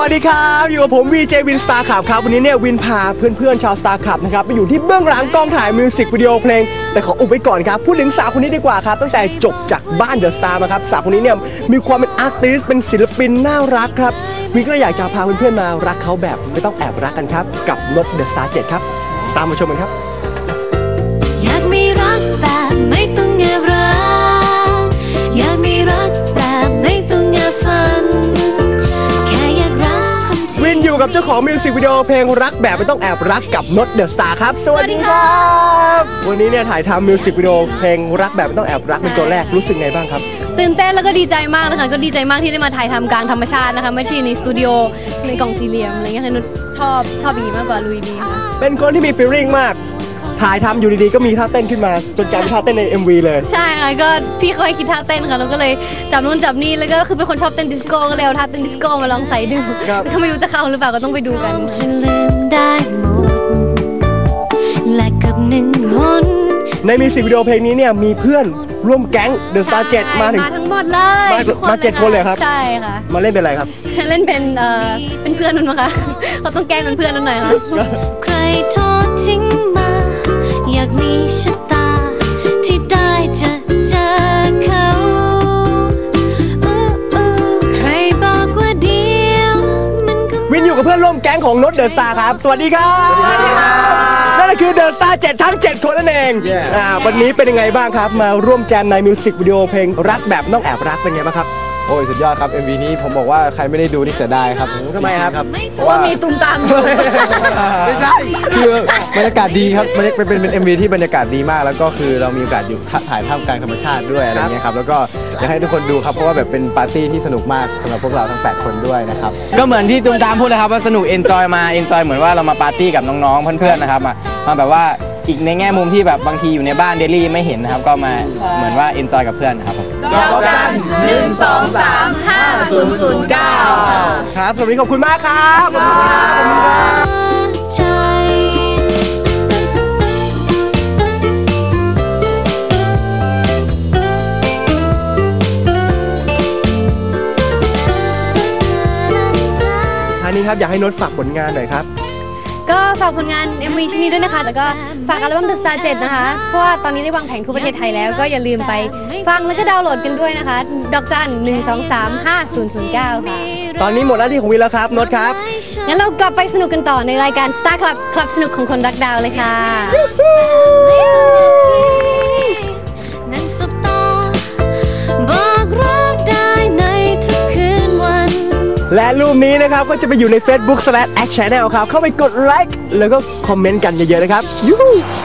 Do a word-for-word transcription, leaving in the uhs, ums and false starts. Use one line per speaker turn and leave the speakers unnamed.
วัสดีครับอยู่กับผมวีเจวินสตาร์ขับครับวันนี้เนี่ยวินพาเพื่อนๆชาวสตาร์ขับนะครับไปอยู่ที่เบื้องหลังกล้องถ่ายมิวสิกวิดีโอเพลงแต่ขออุบไว้ก่อนครับพูดถึงสาวคนนี้ดีกว่าครับตั้งแต่จบจากบ้านเดอะสตาร์มาครับสาวคนนี้เนี่ยมีความเป็นอาร์ติสต์เป็นศิลปินน่ารักครับวินก็เลยอยากจะพาเพื่อนๆมารักเขาแบบไม่ต้องแอบรักกันครับกับนดเดอะสตาร์เจ็ดครับตามมาชมกันครับ
อยากมีรักแบบไม่ต้องแอบรักอยากมีรักแบบไม่ต้องแอบฝันแค่อยากรักคนที่วิน
อยู่กับเจ้าของมิวสิกวิดีโอเพลงรักแบบไม่ต้องแอบรักกับนดเดอะสตาร์ครับสวัสดีครับวันนี้เนี่ยถ่ายทำมิวสิกวิดีโอเพลงรักแบบไม่ต้องแอบรักเป็นตัวแรกรู้สึกไงบ้างครับ
ตื่นเต้นแล้วก็ดีใจมากเลยค่ะก็ดีใจมากที่ได้มาถ่ายทำกลางธรรมชาตินะคะไม่ใช่ในสตูดิโอในกล่องสี่เหลี่ยมอะไรเงี้ยค่ะนุชชอบชอบอย่างนี้มากกว่าลุยดีค่ะ
เป็นคนที่มีฟีลลิ่งมากถ่ายทำอยู่ดีๆก็มีท่าเต้นขึ้นมาจนกลายเป็นท่าเต้นใน เอ็ม วี เลย
ใช่ค่ะก็พี่เขาให้คิดท่าเต้นค่ะเราก็เลยจับนู่นจับนี่แล้วก็คือเป็นคนชอบเต้นดิสโก้ก็เลยเอาท่าเต้นดิสโก้มาลองใส่ดูถ้าไม่รู้จะเข้าหรือเปล่าก็ต้องไปดูกัน
ฉันลืมได้หมดและกับหนึ่งคน
ในมิวสิกวิดีโอเพลงนี้เนี่ยมีเพื่อนร่วมแก๊งเดอะสตาร์เจ็ดมาถึง
มาทั้งหมดเลย
มาเจ็ดคนเลยครับ
ใช่ค่ะ
มาเล่นเป็นอะไรครับ
เล่นเป็นเอ่อเป็นเพื่อนนั่นมั้งคะเขาต้องแกล้งเป็นเพื่อนนั่นหน่อยค่ะ
ใครทอดทิ้งมาอยากมีชะตาที่ได้จะเจอเขาใครบอกว่าเดียวมันก็
วินอยู่กับเพื่อนร่วมแก๊งของนดเดอะสตาร์ครับสวัสดีครับสวัสดีครับนั่นคือเดอะสตาร์เจ็ดทั้งเจ็ดคนนั่นเองวันนี้เป็นยังไงบ้างครับมาร่วมแจมในมิวสิกวิดีโอเพลงรักแบบต้องแอบรักเป็นไงบ้างครับ
โอ้ยสุดยอดครับ เอ็ม วี นี้ผมบอกว่าใครไม่ได้ดูนี่เสียดายครับ
ทำไมครับ
เพราะว่ามีตุ้มตาม
ไม่ใช่คือบรรยากาศดีครับมันเป็นเป็น เอ็ม วี ที่บรรยากาศดีมากแล้วก็คือเรามีโอกาสอยู่ถ่ายท่ามกลางธรรมชาติด้วยอะไรเงี้ยครับแล้วก็อยากให้ทุกคนดูครับเพราะว่าแบบเป็นปาร์ตี้ที่สนุกมากสำหรับพวกเราทั้งแปดคนด้วยนะครับ
ก็เหมือนที่ตุ้มตามพูดเลยครับว่าสนุกเอนจอยมาเอนจอยเหมือนว่าเรามาปาร์ตี้กับน้องๆเพื่อนๆนะครับมามาแบบว่าอีกในแง่มุมที่แบบบางทีอยู่ในบ้านเดลี่ไม่เห็นนะครับก็มาเหมือนว่าเอนจอยกับเพื่อนนะครับ
ดอกจันหนึ่งสองสามห้าศูนย์ศูนย์เก้า
ครับสวัสดีขอบคุณมากครับขอบคุณครับขอบคุณครับท่านี้ครับอยากให้นดฝากผลงานหน่อยครับ
ก็ฝากผลงาน เอ็ม วี ชิ้นนี้ด้วยนะคะแล้วก็ฝากอัลบั้ม The Star เจ็ดนะคะเพราะว่าตอนนี้ได้วางแผงทั่วประเทศไทยแล้วก็อย่าลืมไปฟังแล้วก็ดาวน์โหลดกันด้วยนะคะดอกจันหนึ่งสองสามห้าศูนย์ศูนย์เก้าค่ะ
ตอนนี้หมดหน้าที่ของวินแล้วครับนดครับ
งั้นเรากลับไปสนุกกันต่อในรายการ Star Club คลับสนุกของคนรักดาวเลยค่ะ
และรูปนี้นะครับก็จะไปอยู่ใน Facebook สแลช แอค ชาแนล ครับเข้าไปกดไลค์แล้วก็คอมเมนต์กันเยอะๆนะครับยูฮู